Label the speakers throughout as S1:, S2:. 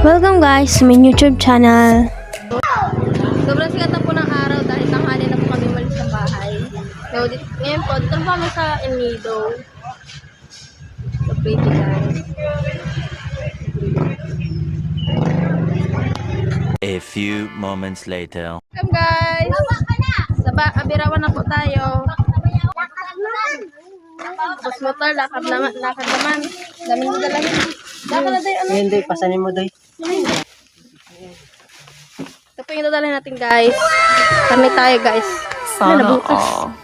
S1: Welcome guys sa my YouTube channel.
S2: Sobrang sikat na po ng araw dahil tanghali na po kami umalis sa bahay. So, ngayon po, dito po kami sa El Nido. So, pretty guys.
S3: A few moments later.
S2: Welcome guys! Abirawan na po tayo. Tapos motor, lakad naman. Daming dadalahin. Lakad na tayo, ano?
S4: Hindi, pasanin mo doy.
S2: Ito po yung dadalhin natin guys. Kami tayo guys. Sana butas.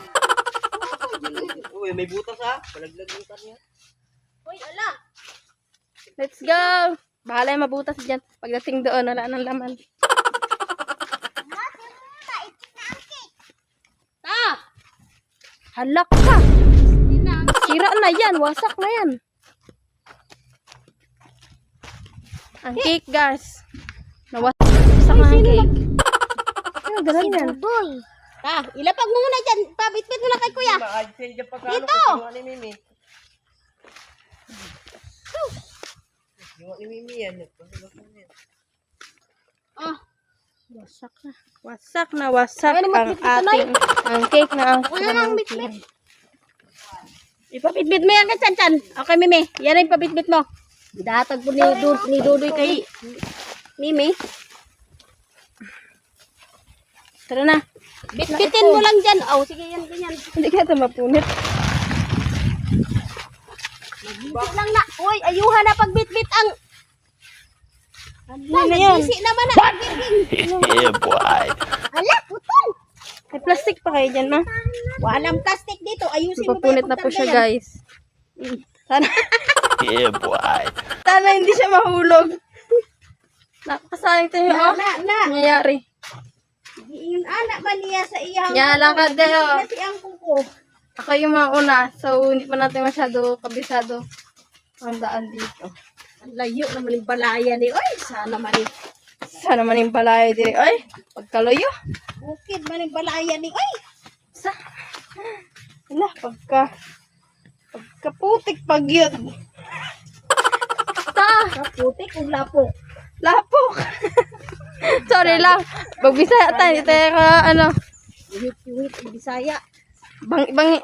S4: Uy, may butas ha. Palaglag yung kanya.
S2: Uy, ala! Let's go! Bahala yung mabutas dyan. Pagdating doon, wala nang laman. Ah! Halak ka! Sira na yan. Wasak na yan. Ang cake, guys. Nawasak na ang cake. Ano, galang yan?
S5: Ilapag mo muna dyan. Pabitbit mo lang kay kuya. Dito!
S2: Oh. Wasak na ang ating ang cake na ang cake.
S5: Ipabitbit mo yan kay Chan-Chan. Okay, Mimi. Yan ang ipabitbit mo. Idatag po ni Dudoy kay Mimi.
S2: Tara na.
S5: Bitbitin mo lang dyan. Oh, sige yan, ganyan.
S2: Hindi ka ito mapunit.
S5: Bitbit lang na. Uy, ayuhan na pagbitbit ang...
S2: Ano na yan?
S5: Sisi naman na.
S3: Yeah, boy.
S5: Hala, putol.
S2: May plastic pa kayo dyan, ma.
S5: Walang plastic dito. Ayusin mo
S2: Ipapunit na po siya, guys. Sana,
S3: Yeah, boy.
S2: sana hindi siya mahulog. Nakakasaling tayo, oh.
S5: Na.
S2: Nangyayari.
S5: Yung anak ba niya sa iyang...
S2: Yan, lakad kayo.
S5: Kasi ang kuko.
S2: Ako yung mauna, so hindi pa natin masyado kabisado ang daan dito.
S5: Ang layo naman yung balaya ni. Uy, sana man yung...
S2: Sana man yung palayo din. Ay, pagkalayo.
S5: Bukid man yung balaya ni. Uy!
S2: Wala, pagkaputik pag yun.
S5: Kaputik kung lapok.
S2: Lapok. Sorry lang. Magbisaya tayo. Hindi tayo ka, ano,
S5: Wait, Bisaya.
S2: bangi.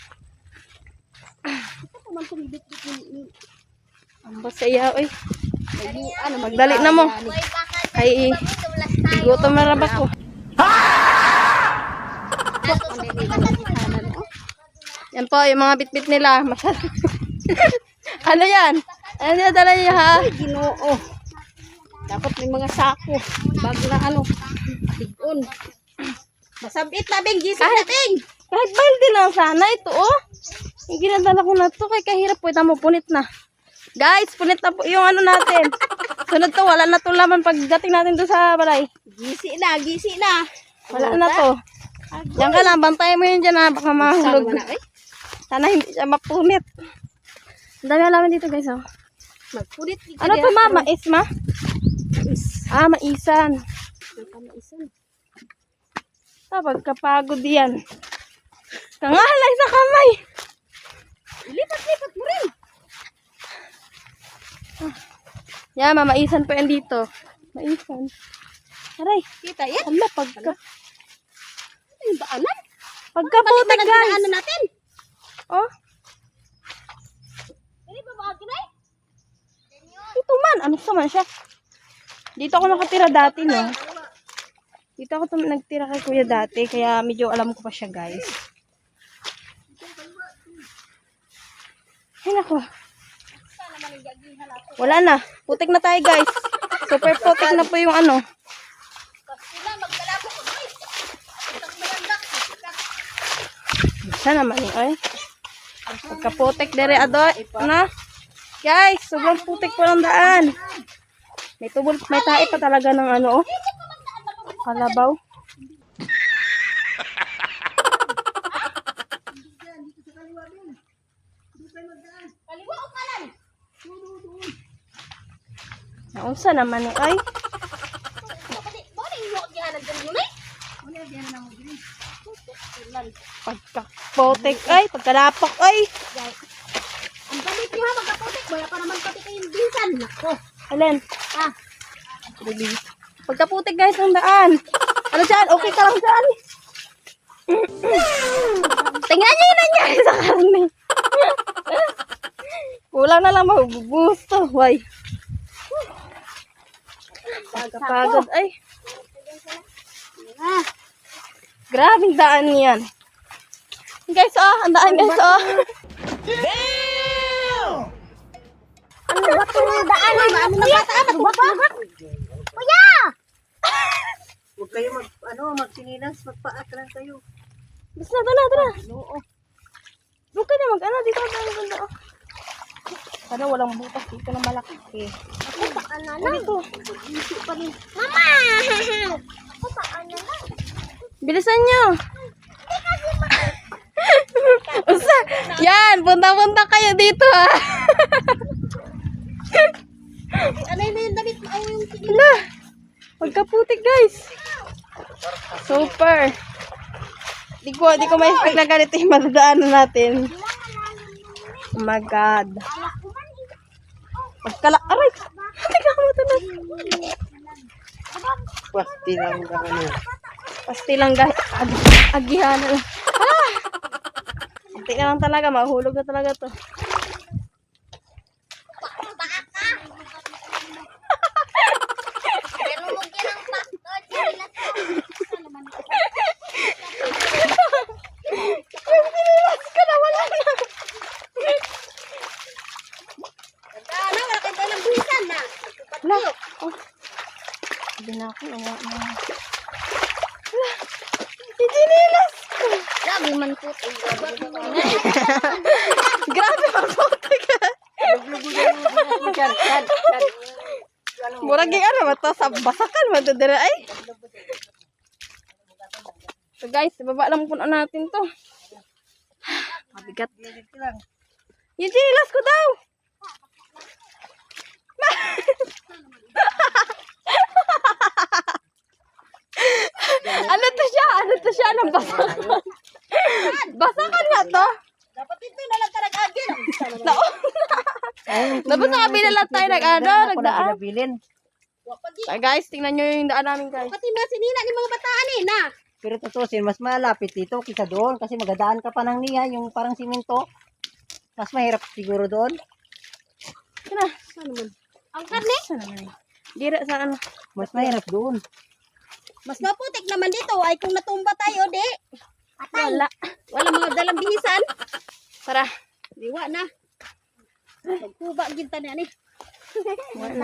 S5: Ito man tumibit-bit ni...
S2: Ang basaya, oy. Magdali na mo. Ay, gutom na rabak ko. Yan po, yung mga bitbit nila. Masyado. Ano yan? Ano yan, dala niya ha?
S5: Ginoo. Dapat may mga sako. Bag na ano. Bigon. Masabit na, Bing. Gising na, Bing.
S2: Kahit balde lang sana ito, oh. Yung ginadala ko na to, kaya kahirap po. Ito mo, punit na. Guys, punit na po yung ano natin. Sunod to, wala na to laman pagdating natin doon sa balay.
S5: Gisi na.
S2: Wala na to. Diyan ka lang, bantayan mo yun dyan ha, baka mahulog. Sana hindi siya mapunit. Ang dami alaman dito guys, oh.
S5: Magpunit.
S2: Ano to ma? Mais ma? Ah, maisan. Pagkapagod yan. Kangalay sa kamay.
S5: Lipat mo rin.
S2: Yan, mamaisan po yan dito. Maisan. Aray,
S5: Kita yan.
S2: ala,
S5: Yung daanan.
S2: pagkaputik guys.
S5: Ano natin?
S2: Oh,
S5: Hindi ba baka kinay?
S2: ito man. Ano sa man siya? Dito ako nakatira dati, no? Dito ako nagtira kay kuya dati, kaya medyo alam ko pa siya, guys. Ay, nako. Wala na. Putik na tayo, guys. Super putik na po yung ano. Sana naman eh, ay. Pagkaputik dere adoy. Na. Guys, sobrang putik po ng daan. May tubol, may tae pa talaga ng ano, oh. Kalabaw.
S5: Kaliwa o kanan?
S2: Naunsa naman eh, ay. Pagkaputik, ay. Pagkalapok, ay.
S5: Ang galit niyo ha, magkaputik. Wala pa naman pati kayong binsan. Nako.
S2: Alin?
S5: Ah,
S2: Pagkaputik guys ng daan. Ano dyan? Okay ka lang dyan. Tingnan niyo yun nangyari sa karne. Kulang na lang mabubuhos to. Why? Pagod. Ay. Grabing daan yan. Guys, ang daan guys,
S1: Ano ba itong daan? Ano na bata? Kuya!
S4: Huwag kayo magsinilas, magpaat lang kayo.
S2: Basta tara. Huwag ka na dito. Sana walang butas dito na malaki.
S1: Ako paan na lang.
S2: Dito.
S1: Mama! Ako paan na lang.
S2: Bilisan nyo. Usa. Yan, punta-punta kayo dito
S5: Ano yung damit mo? Ay, yung sige.
S2: Hala. Pagkaputik guys. Super. Di ko may expect na ganito yung madadaanan natin. Oh my God. Aray. Tingnan ko matunan.
S4: Pasti lang kami.
S2: Pasti lang guys. Agihan na lang. Hindi na lang talaga. Mahulog na talaga to. Hala. Oh. Sabi na ako. Itinilas ko.
S1: Grabe man po.
S2: Grabe magputik. Murag yung ano ba to? Sa basakan ba ito dire ay? So guys, baba lang po natin to. Mabigat. Yung chinilas ko daw. Ano to siya? Anong basakan? Basakan nga to?
S5: Dapat ito na lang ka nag-agil.
S2: Dapat sa kabila lang tayo nagdaan.
S4: Pinabilin.
S2: Ay guys, tingnan nyo yung daan namin guys.
S5: Pati mga sinina ni mga bataan na.
S4: Pero tutusin, mas malapit dito kaysa doon kasi magadaan ka pa ng niya, yung parang simento. Mas mahirap siguro doon.
S2: Saan na?
S5: Ang karne,
S2: Saan naman eh? Dira sa ano?
S4: Mas mahirap doon.
S5: mas maputik naman dito ay kung natumba tayo, di.
S2: Wala.
S5: Wala mga dalang bihisan.
S2: Tara.
S5: Diwa na. Magkuba ginta na ni.
S2: Wala.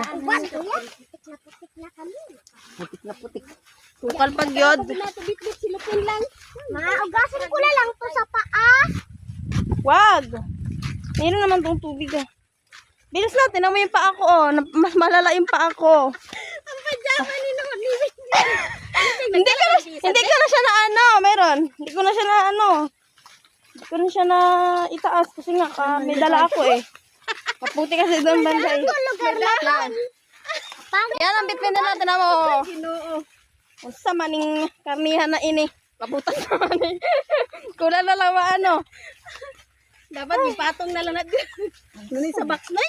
S4: Putik na putik.
S2: Sukal pag yod.
S5: Pinatubit-bit sila lang.
S1: Maugasan ko na lang to sa paa.
S2: Wag. Meron naman tong tubig Bilis na, tinan mo yung paa ko Mas malala yung paa ko.
S5: Ang pajama ni naman ni.
S2: Hindi ko na siya na meron. Hindi ko na siya na Hindi ko na siya na itaas kasi nga may dala ako Maputi kasi doon banda
S1: Lugar lang.
S2: Yan ang bitbin na natin mo.
S5: Ginoo.
S2: Usa maning karnihan na ini. Kaputan naman Kulang na lang
S5: Dapat ipatong na lang natin. Nuni sa box na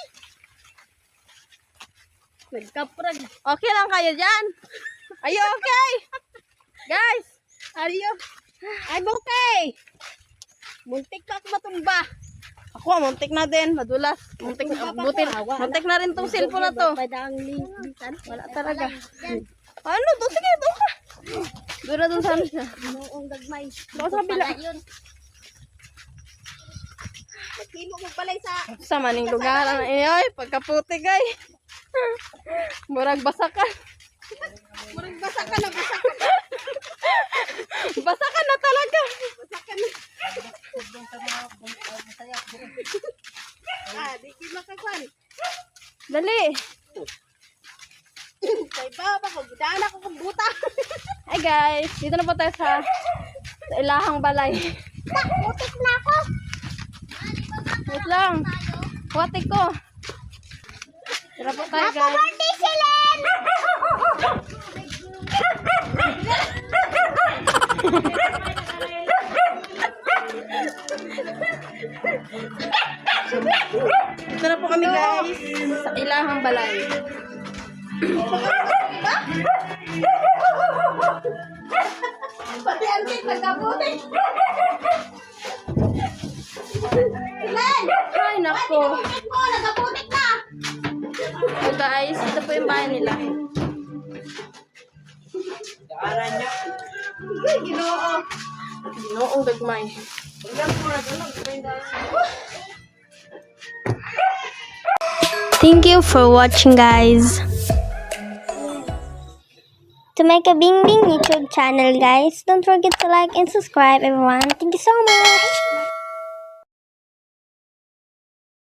S5: nagkaprag.
S2: Okay lang kayo dyan? Are you okay? Guys,
S5: Are you? I'm okay. Muntik pa ako matumba.
S2: ako muntik na din, madulas. Muntik na rin tong cellphone na to.
S5: Padang lisan.
S2: Wala talaga. Ano? Sige, doon ka. Doon na doon sa siya.
S5: Noong gagmay.
S2: Doon sa kabila.
S5: Magtimo mo balay sa
S2: Sa maning lugar. Ay, pagkaputi kay. Murag basakan.
S5: murag basa ka na, basa ka.
S2: Basakan na talaga.
S5: Basa ka na. Di ki makakwan.
S2: Dali.
S5: Kay baba ko, gudaan ako kung buta.
S2: Hi guys, dito na po tayo sa ilahang balay.
S1: Putik na ako.
S2: Wait lang. Huwati ko. Tara po tayo guys.
S1: Birthday sila.
S2: Dito na po kami guys sa ilahang balay.
S5: Pati ang tit, nagkaputik. Ilan?
S2: Ay, nako.
S5: Tit mo, nagkaputik na.
S2: So guys, ito po yung bahay nila.
S5: Ginoo.
S2: Noong gagmay.
S1: Thank you for watching, guys. To make a Bing Bing YouTube channel, guys, don't forget to like and subscribe, everyone. Thank you so much.